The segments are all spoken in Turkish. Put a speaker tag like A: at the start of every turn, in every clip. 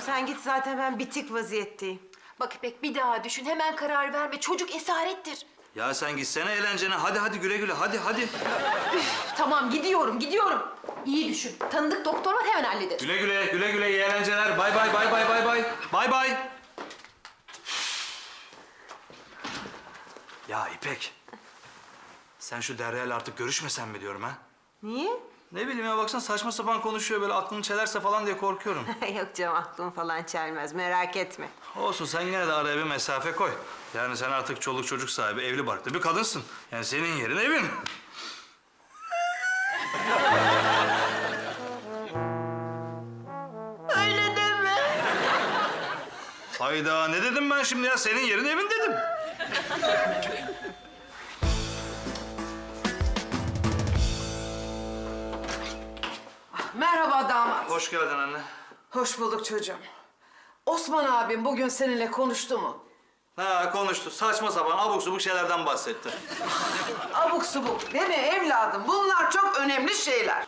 A: sen git, zaten ben bitik vaziyetteyim.
B: Bak İpek, bir daha düşün. Hemen karar verme. Çocuk esarettir.
C: Ya sen gitsene eğlencene. Hadi güle güle. Hadi.
B: Tamam, gidiyorum. İyi düşün. Tanıdık doktor var, hemen hallederiz.
C: Güle iyi eğlenceler. Bay. Ya İpek. Sen şu Derya'yla artık görüşmesen mi diyorum ha?
A: Niye?
C: Ne bileyim ya, baksana saçma sapan konuşuyor, böyle aklını çelerse falan diye korkuyorum.
A: Yok canım, aklım falan çelmez, merak etme.
C: Olsun, sen yine de araya bir mesafe koy. Yani sen artık çoluk çocuk sahibi, evli barklı bir kadınsın. Yani senin yerin evin.
A: Öyle deme.
C: Hayda, ne dedim ben şimdi ya? Senin yerin evin dedim.
D: Merhaba damat.
C: Hoş geldin anne.
D: Hoş bulduk çocuğum. Osman abim bugün seninle konuştu mu?
C: Ha, konuştu. Saçma sapan abuk subuk şeylerden bahsetti.
D: Abuk subuk değil mi evladım? Bunlar çok önemli şeyler.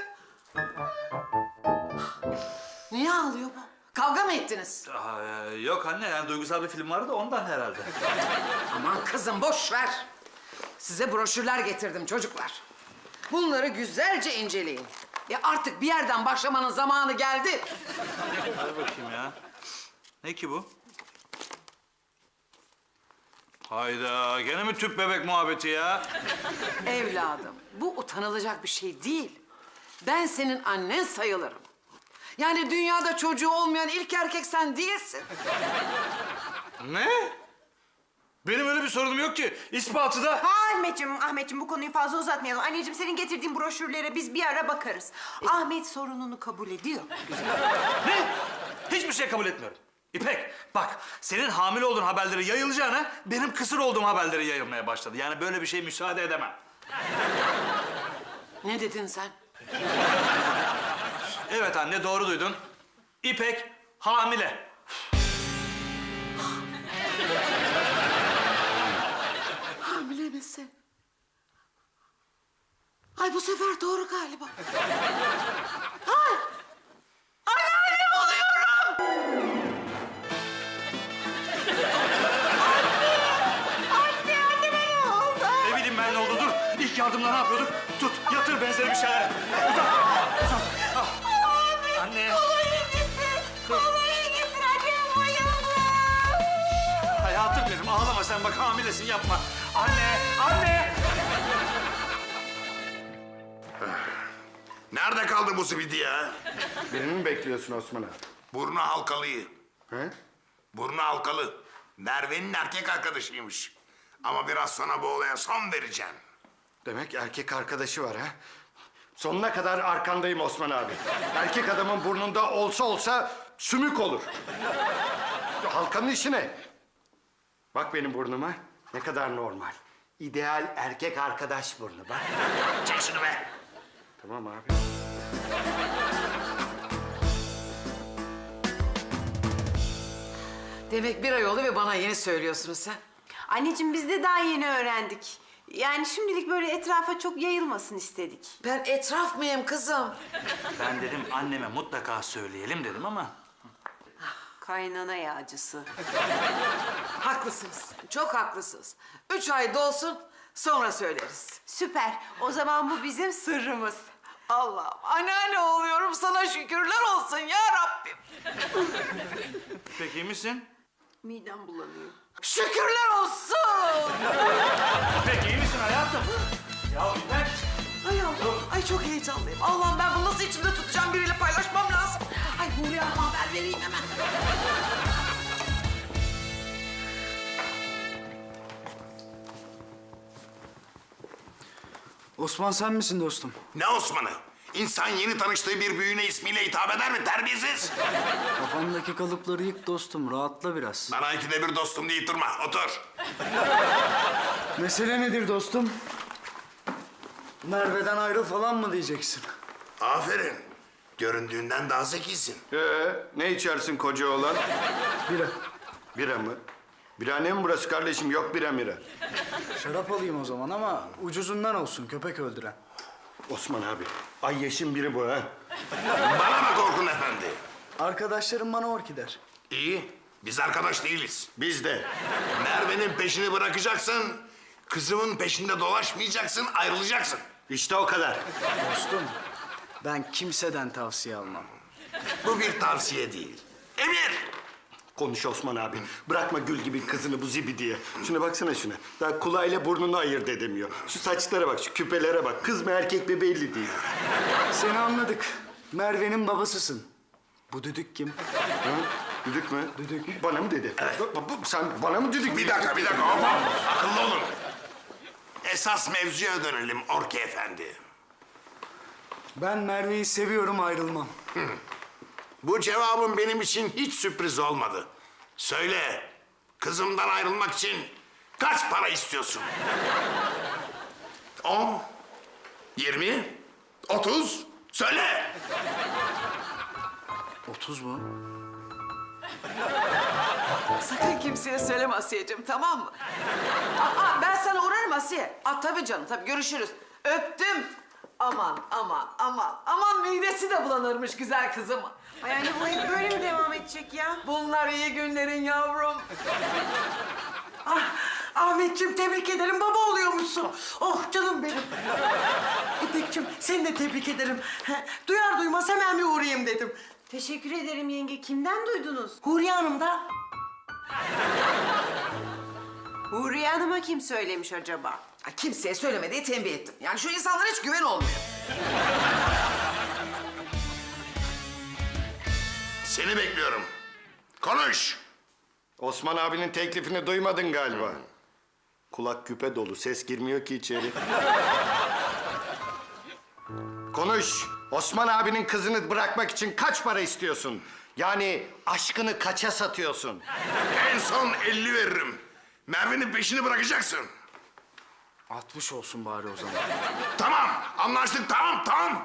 D: Niye ağlıyor bu? Kavga mı ettiniz?
C: Yok anne, yani duygusal bir film vardı da ondan herhalde.
D: Aman kızım boş ver. Size broşürler getirdim çocuklar. Bunları güzelce inceleyin. Artık bir yerden başlamanın zamanı geldi.
C: Hadi bakayım ya. Ne ki bu? Hayda, gene mi tüp bebek muhabbeti ya?
D: Evladım, bu utanılacak bir şey değil. Ben senin annen sayılırım. Yani dünyada çocuğu olmayan ilk erkek sen değilsin.
C: Ne? Benim öyle bir sorunum yok ki. İspatı da...
A: Ahmetciğim bu konuyu fazla uzatmayalım. Anneciğim, senin getirdiğin broşürlere biz bir ara bakarız. Ahmet sorununu kabul ediyor.
C: Ne? Hiçbir şey kabul etmiyorum. İpek, bak, senin hamile olduğun haberleri yayılacağına benim kısır olduğum haberleri yayılmaya başladı. Yani böyle bir şeye müsaade edemem.
D: Ne dedin sen?
C: Evet anne, doğru duydun. İpek hamile.
D: Hamile misin? Ay bu sefer doğru galiba. Ay! Anneannem oluyorum!
A: Anneme ne oldu?
C: Ne bileyim ben ne oldu, dur. İlk yardımda ne yapıyorduk? Tut, yatır benzeri bir şeyler. Uzat. Ah. Anne.
A: Kolonya getir, annem bayıldı.
C: Hayatım benim, ağlama sen, bak hamilesin, yapma. Anne.
E: Nerede kaldı bu zibidi ya?
F: Birini mi bekliyorsun Osman abi?
E: Burnu halkalıyı.
F: He?
E: Burnu halkalı. Merve'nin erkek arkadaşıymış. Ama biraz sonra bu olaya son vereceğim.
F: Demek erkek arkadaşı var ha? Sonuna kadar arkandayım Osman abi. Erkek adamın burnunda olsa sümük olur. Halkanın işi ne? Bak benim burnuma, ne kadar normal. İdeal erkek arkadaş burnu bak.
E: Çek şunu be.
F: Tamam abi.
D: Demek bir ay oldu ve bana yeni söylüyorsunuz sen.
A: Anneciğim, biz de daha yeni öğrendik. Yani şimdilik böyle etrafa çok yayılmasın istedik.
D: Ben etraf mıyım kızım?
C: Ben dedim anneme mutlaka söyleyelim dedim ama...
A: Kaynana yağcısı.
D: Haklısınız, çok haklısınız. 3 ay dolsun, sonra söyleriz.
A: Süper. O zaman bu bizim sırrımız.
D: Allah'ım, anneanne oluyorum, sana şükürler olsun ya Rabbim.
C: Peki, iyi misin?
A: Midem bulanıyor.
D: Şükürler olsun.
C: Peki, iyi misin hayatım? Ya İpek.
D: Ay Allah'ım, ay çok heyecanlıyım. Allah'ım ben bunu nasıl içimde tutacağım, biriyle paylaşmam lazım. Ay Huriye Hanım'a haber vereyim hemen.
G: Osman sen misin dostum?
E: Ne Osman'ı? İnsan yeni tanıştığı bir büyüğüne ismiyle hitap eder mi terbiyesiz?
G: Kafandaki kalıpları yık dostum, rahatla biraz.
E: Bana ikide bir dostum deyip durma, otur.
G: Mesele nedir dostum? Merve'den ayrıl falan mı diyeceksin?
E: Aferin. Göründüğünden daha zekisin.
F: Ne içersin koca oğlan?
G: Bira.
F: Bira mı? Birahane mi burası kardeşim? Yok bira mira.
G: Şarap alayım o zaman ama ucuzundan olsun, köpek öldüren.
F: Osman abi, ay yeşim biri bu ha.
E: Bana bak Orkun Efendi.
G: Arkadaşlarım bana orki der.
E: İyi. Biz arkadaş değiliz.
F: Biz de.
E: Merve'nin peşini bırakacaksın. Kızımın peşinde dolaşmayacaksın, ayrılacaksın.
F: İşte o kadar.
G: Dostum, ben kimseden tavsiye almam.
E: Bu bir tavsiye değil. Emir!
F: Konuş Osman abi. Bırakma gül gibi kızını bu zibidiye. Şuna baksana şuna. Daha kulağıyla burnunu ayırt edemiyor. Şu saçlara bak, şu küpelere bak. Kız mı erkek mi belli değil.
G: Seni anladık. Merve'nin babasısın. Bu düdük kim?
F: Ha? Düdük mü?
G: Düdük.
F: Bana mı dedi? Sen bana mı düdük?
E: Bir dakika, hop hop. Akıllı olun. Esas mevzuya dönelim Orki Efendi.
G: Ben Merve'yi seviyorum, ayrılmam.
E: Bu cevabın benim için hiç sürpriz olmadı. Söyle, kızımdan ayrılmak için kaç para istiyorsun? 10, 20, 30, söyle.
G: 30 mu?
D: Sakın kimseye söyleme Asiye'cim, tamam mı? Ben sana uğrarım Asiye. Tabii canım, tabii görüşürüz. Öptüm. Aman midesi de bulanırmış güzel kızım.
A: Ay anne bu hep böyle mi devam edecek ya?
D: Bunlar iyi günlerin yavrum.
H: Ahmetciğim tebrik ederim, baba oluyormuşsun. Oh canım benim. İpekciğim seni de tebrik ederim. Duyar duymaz hemen bir uğrayayım dedim.
A: Teşekkür ederim yenge. Kimden duydunuz?
H: Huriye Hanım da.
A: Huriye Hanım'a kim söylemiş acaba?
D: Kimseye söyleme diye tembih ettim. Yani şu insanlara hiç güven olmuyor.
E: Seni bekliyorum. Konuş.
F: Osman abinin teklifini duymadın galiba. Kulak küpe dolu, ses girmiyor ki içeri. Konuş. Osman abinin kızını bırakmak için kaç para istiyorsun? Yani aşkını kaça satıyorsun?
E: En son 50 veririm. Merve'nin peşini bırakacaksın.
G: 60 olsun bari o zaman.
E: Tamam, anlaştık. Tamam.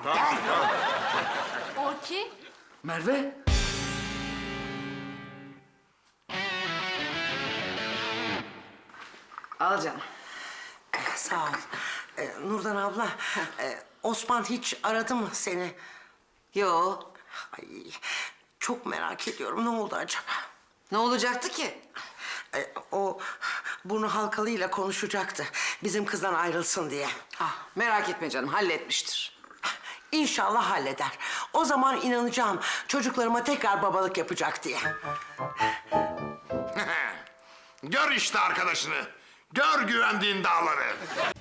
B: Orki.
G: Merve?
D: Al canım.
H: Sağ ol. Nurdan abla, Osman hiç aradı mı seni?
D: Yo.
H: Ay, çok merak ediyorum, ne oldu acaba?
D: Ne olacaktı ki?
H: O burnu halkalıyla konuşacaktı. Bizim kızdan ayrılsın diye.
D: Merak etme canım, halletmiştir.
H: İnşallah halleder. O zaman inanacağım çocuklarıma tekrar babalık yapacak diye.
E: Gör işte arkadaşını. Gör güvendiğin dağları.